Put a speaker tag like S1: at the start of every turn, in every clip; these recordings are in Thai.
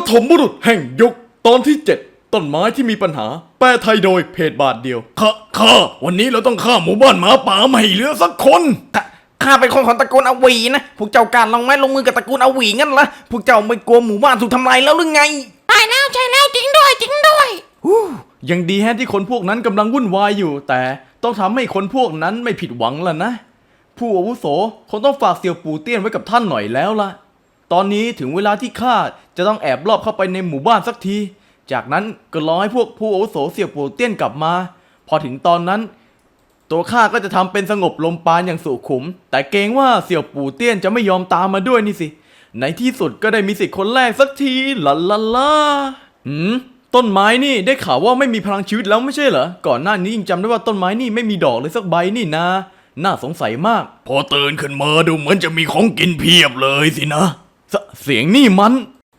S1: ฐมบุรุษแห่งยุคตอนที่ 7ต้นไม้ที่มีปัญหาแปลไทยโดยเพจบาทเดียวข้าวันนี้เราต้องฆ่าหมู่บ้านหมาป่าไม่ให้เหลือสักคน
S2: ข้าเป็นคนของตระกูลอวีนะพวกเจ้าการลงไม้ลงมือกับตระกูลอวีงั้นละพวกเจ้าไม่กลัวหมู่บ้านถูกทำลายแล้วหรือไง
S3: ใช่แล้วจริงด้วย
S1: ยังดีแฮะที่คนพวกนั้นกำลังวุ่นวายอยู่แต่ต้องทำให้คนพวกนั้นไม่ผิดหวังล่ะนะผู้อาวุโสคงต้องฝากเสี่ยวปู่เตี้ยนไว้กับท่านหน่อยแล้วล่ะตอนนี้ถึงเวลาที่ข้าจะต้องแอบลอบเข้าไปในหมู่บ้านสักทีจากนั้นก็รอให้พวกผู้อาวุโสเสี่ยวปู่เตี้ยนกลับมาพอถึงตอนนั้นตัวข้าก็จะทำเป็นสงบลมปราณอย่างสุขุมแต่เกรงว่าเสี่ยวปู่เตี้ยนจะไม่ยอมตามมาด้วยนี่สิในที่สุดก็ได้มีสิทธิ์คนแรกสักทีลาต้นไม้นี่ได้ข่าวว่าไม่มีพลังชีวิตแล้วไม่ใช่เหรอก่อนหน้านี้ยังจำได้ว่าต้นไม้นี่ไม่มีดอกเลยสักใบนี่นะน่าสงสัยมากพอตื่นขึ้นมาดูเหมือนจะมีของกินเพียบเลยสินะเสียงนี่มัน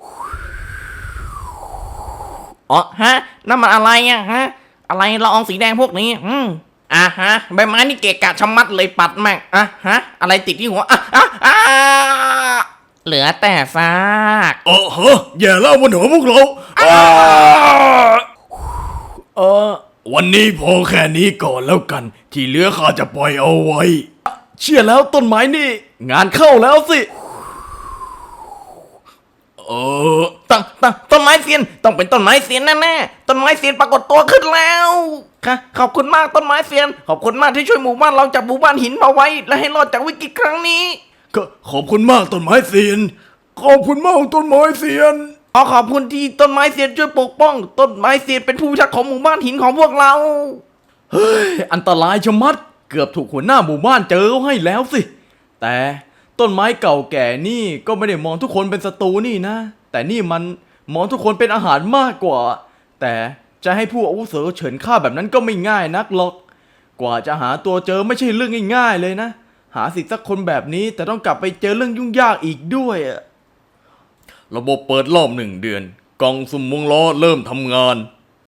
S2: อ๋อฮะนั่นมันอะไรอะฮะอะไรละอองสีแดงพวกนี้ฮะใบไม้นี่เกะกะชะมัดเลยปัดแม่งฮะอะไรติดที่หัวเหลือแต่ซาก
S1: ฮะอย่าเล่าบนหัวพวกเราวันนี้พอแค่นี้ก่อนแล้วกันที่เหลือข้าจะปล่อยเอาไว้เชื่อแล้วต้นไม้นี่งานเข้าแล้วสิ
S2: ต้นไม้เซียนต้องเป็นต้นไม้เซียนแน่ๆต้นไม้เซียนปรากฏตัวขึ้นแล้วค่ะขอบคุณมากต้นไม้เซียนขอบคุณมากที่ช่วยหมู่บ้านเราจากหมู่บ้านหินมาไว้และให้รอดจากวิกฤตครั้งนี้
S1: ขอบคุณมากต้นไม้เซียนขอบคุณมากต้นไม้เซียน
S2: ขอบคุณที่ต้นไม้เซียนช่วยปกป้องต้นไม้เซียนเป็นผู้พิทักษ์ของหมู่บ้านหินของพวกเรา
S1: เฮ้ยอันตรายชะมัดเกือบถูกหัวหน้าหมู่บ้านเจอให้แล้วสิแต่ต้นไม้เก่าแก่นี่ก็ไม่ได้มองทุกคนเป็นศัตรูนี่นะแต่นี่มันมองทุกคนเป็นอาหารมากกว่าแต่จะให้ผู้อาวุโสเฉินฆ่าแบบนั้นก็ไม่ง่ายนักหรอกกว่าจะหาตัวเจอไม่ใช่เรื่องง่ายๆเลยนะหาสิทธิ์สักคนแบบนี้แต่ต้องกลับไปเจอเรื่องยุ่งยากอีกด้วยระบบเปิดรอบ1 เดือนกล่องสุ่มวงล้อเริ่มทำงาน